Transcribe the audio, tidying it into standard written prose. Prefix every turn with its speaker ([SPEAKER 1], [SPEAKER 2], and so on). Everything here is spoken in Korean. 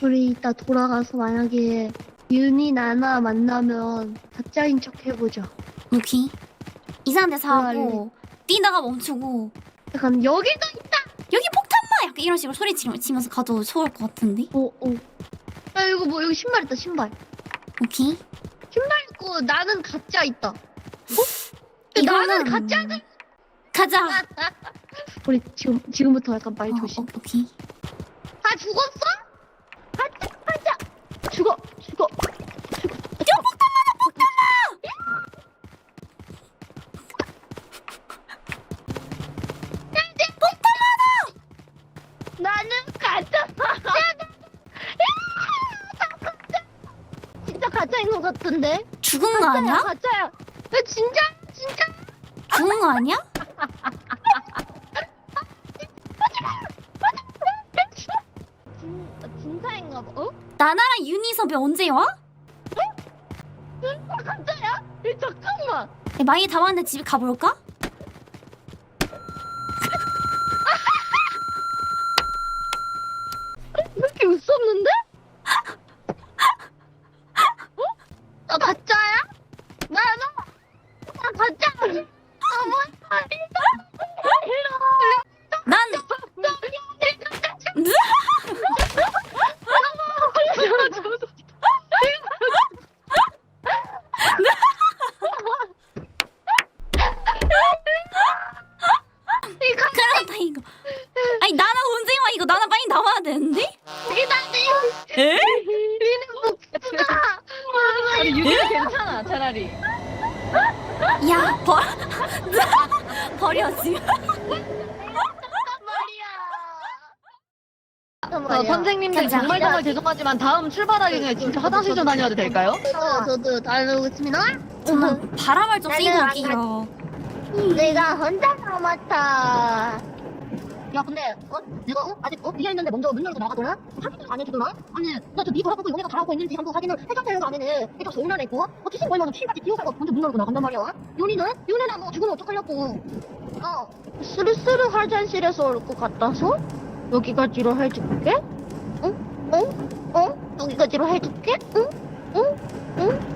[SPEAKER 1] 우리 이따 돌아가서 만약에 윤이 나나 만나면 가짜인 척 해보자.
[SPEAKER 2] 오케이. 이상한 데서 하고 뛰다가 멈추고
[SPEAKER 1] 약간 여기도 있다!
[SPEAKER 2] 여기 폭탄마! 약간 이런 식으로 소리 치면서 가도 좋을 것 같은데?
[SPEAKER 1] 오. 야 이거 뭐 여기 신발 있다 신발.
[SPEAKER 2] 오케이.
[SPEAKER 1] 신발 있고 나는 가짜 있다.
[SPEAKER 2] 이거는
[SPEAKER 1] 나는 가짜는
[SPEAKER 2] 가자!
[SPEAKER 1] 우리 지금부터 약간 말 조심.
[SPEAKER 2] 오케이.
[SPEAKER 1] 아 죽었어? 가짜 죽어. 나는 가짜. 진짜 가짜인 것 같은데?
[SPEAKER 2] 죽은 거 아니야?
[SPEAKER 1] 가짜야. 야, 진짜.
[SPEAKER 2] 죽은 거 아니야?
[SPEAKER 1] 진짜인가 봐. 어?
[SPEAKER 2] 나나랑 유니섭이 언제 와?
[SPEAKER 1] 가짜야? 야, 잠깐만.
[SPEAKER 2] 야, 많이 다 왔는데 집에 가볼까?
[SPEAKER 1] 왜 이렇게 웃었는데? 어? 나 가짜야? 나 가짜.
[SPEAKER 2] 난 그렇다 이거. 아니 나나 언제 와 이거 나나 빨리 나와야 되는데? 에?
[SPEAKER 3] 아니 유리는 괜찮아 차라리.
[SPEAKER 2] 야 버려 지금.
[SPEAKER 3] 선생님들
[SPEAKER 2] 가자.
[SPEAKER 3] 정말 죄송하지만 다음 출발하기 전에 진짜 화장실 좀 다녀도 될까요?
[SPEAKER 1] 저도 다녀오겠습니다.
[SPEAKER 2] 정말 바람을 좀 쐬고
[SPEAKER 1] 나는
[SPEAKER 2] 올게요.
[SPEAKER 1] 내가 혼자 남았다.
[SPEAKER 4] 야 근데 내가 아직 비어있는데 먼저 문 열고 나가더라? 확인을 안 해주더라? 아니 나 저 니 돌아보고 용이가 잘하고 있는지 한번 확인을 해줬다는 안에는 일단 서운한 애고 귀신 보이면 피같이 기어가고 먼저 문 열고 나간단 말이야. 윤이는 뭐 죽으면 어떡하려고.
[SPEAKER 1] 스르스르 화장실에서 올 것 같아서 여기까지로 해줄게. 응? 여기까지로 해줄게. 응?